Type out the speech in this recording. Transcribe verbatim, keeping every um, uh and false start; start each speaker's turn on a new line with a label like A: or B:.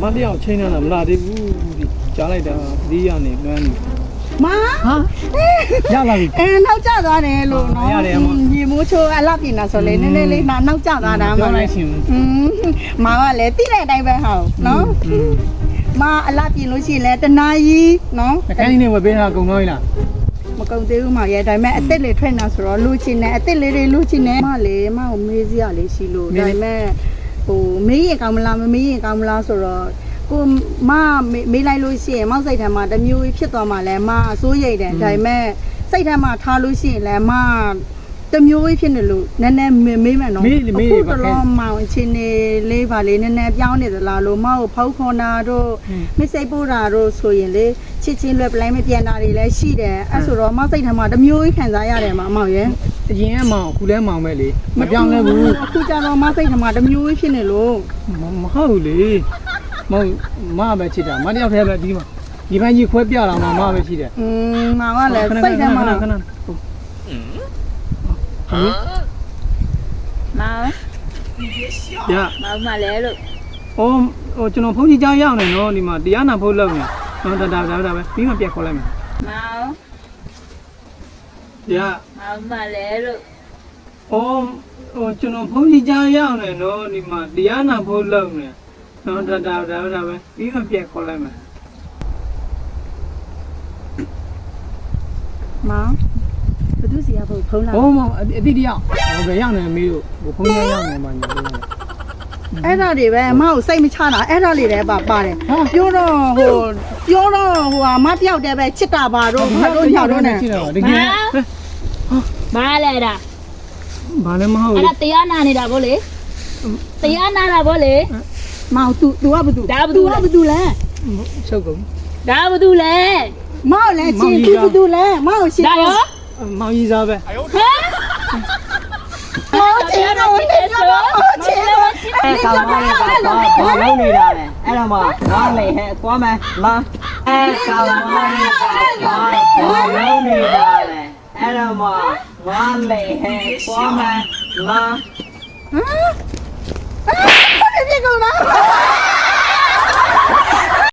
A: မတရားချင်းနေတာမလားသေးဘူးဒီကြားလိုက်တာဒီရနေလွမ်းနေ
B: မဟာ
A: ရလာပြီ
B: အဲနောက်ကျသွားတယ်လို့နော်ညီမိုးချိုးအလှပြင်တာဆိုလေနည်းနည်းလေးနောက်ကျသွားတာမှလည်းอืมမာကလည်းတိတဲ့အတိုင်းပဲဟောနော်မအလှပြင်လို့ရှိရင်လည်းတနာကြီးနော်
A: တကိုင်းနေဝယ်ပေးတာကုန်တော့လား
B: မကုန်သေးဘူးမရဲ့ဒါပေမဲ့အစ်စ်လေးထွက်နေဆိုတော့လူချင်းနဲ့အစ်စ်လေးတွေလူချင်းနဲ့မလေးမကိုမေးစရာလေးရှိလို့ဒါပေမဲ့ဟိုမေးရင်ကောင်းမလားမမေးရင်ကောင်းမလားဆိုတော့ကိုမမေးလိုက်လို့ရှိရင်မောက်စိတ်ထဲမှာတမျိုးဖြစ်သွားမှလည်းမအစိုးရိမ်တယ်ဒါပေမဲ့စိတ်ထဲမှာထားလို့ရှိရင်လည်းမတမျိုးဖြစ်နေလို့နည်းနည်းမေးမှန်တော့အခုတော့မောင်အချင်းနေလေးပါလေးနည်းနည်းပြောင်းနေသလားလို့မကိုဖောက်ခွန်တာတို့မစိတ်ပို့တာတို့ဆိုရင်လေချစ်ချင်းလွယ်ပလိုက်မပြန်တာတွေလည်းရှိတယ်အဲ့ဆိုတော့မောက်စိတ်ထဲမှာတမျိုးခံစားရတယ်မှာမောင်ရဲ့
A: အရင်ကမောင်အခုလဲမောင်ပဲလေမပြောင်းလဲဘူး
B: အခုကျတော့မောက်စိတ်ထဲမှာတမျိုးဖြစ်နေလို့
A: မဟုတ်ဘူးလေမဟုတ်မပဲချစ်တာမတယောက်တည်းပဲဒီမှာဒီဘက်ကြီးခွဲပြလာမှာမပဲရှိတယ်
B: อืมမောင်ကလည်းစိတ်ထဲမှာ
A: ခဏခဏ
B: မောင်
A: ရ
B: မောင်မလဲလို့
A: အော်ဟိုကျွန်တော်ဖုန်းကြီးကြားရောက်နေနော်ဒီမှာတရားနာဖို့လုပ်နေနော်ဒါဒါဒါဒါပဲပြီးမှပြတ်ခေါ်လိုက်မယ်
B: မောင်
A: ရ
B: မောင်မလဲလို့
A: အော်ဟိုကျွန်တော်ဖုန်းကြီးကြားရောက်နေနော်ဒီမှာတရားနာဖို့လုပ်နေနော်ဒါဒါဒါဒါပဲပြီးမှပြတ်ခေါ်လိုက်မယ်
B: မောင်ဘယ်သူစီရဖို့ဖုန်းလာ
A: ဟိုမောင်အတိတယောက်ဟိုပဲရောက်နေမီးတို့ဟိုဖုန်းကြီးရောက်နေမှာညို့
B: အဲ့ဒါတွေပဲအမကိုစိတ်မချတာအဲ့ဒါလေးလည်းပါပါတယ်ပြောတော့ဟိုပြောတော့ဟိုဟာမပြောက်တယ်ပဲချစ်တာပါတော့ဘာလို့ညောက်တော့နေ
A: တကယ်
C: ဘာလဲတာ
A: ဘာလဲမဟုတ်
C: အဲ့ဒါတရားနာနေတာဗောလေတရားနာတာဗောလေ
B: မောင် तू तू ကဘာ तू
C: ဒါဘာ तू လဲ
B: ဘာ तू လဲ
A: ချုပ်ကုန်
C: ဒါဘာ तू လဲ
B: မောင်လည်းချင်း तू ဘာ तू လဲမောင်ရှင်း
C: ဒါရော
A: မောင်ကြီးစားပဲ
C: ဟမ်
B: မောင်ချင်းတော့နေတော့ချင်းတော့
D: အဲကောင်မလေးကတော့ဘာလုပ်နေတာလဲအဲ့တော့မှငါလေဟဲ့သွားမယ်လာအဲကောင်မလေးကတော့ဘာလုပ်နေတာလဲအဲ့တော့မှငါလေဟဲ့သွားမယ်လာ
B: ဟမ်အဲ့ဒီကောင်လား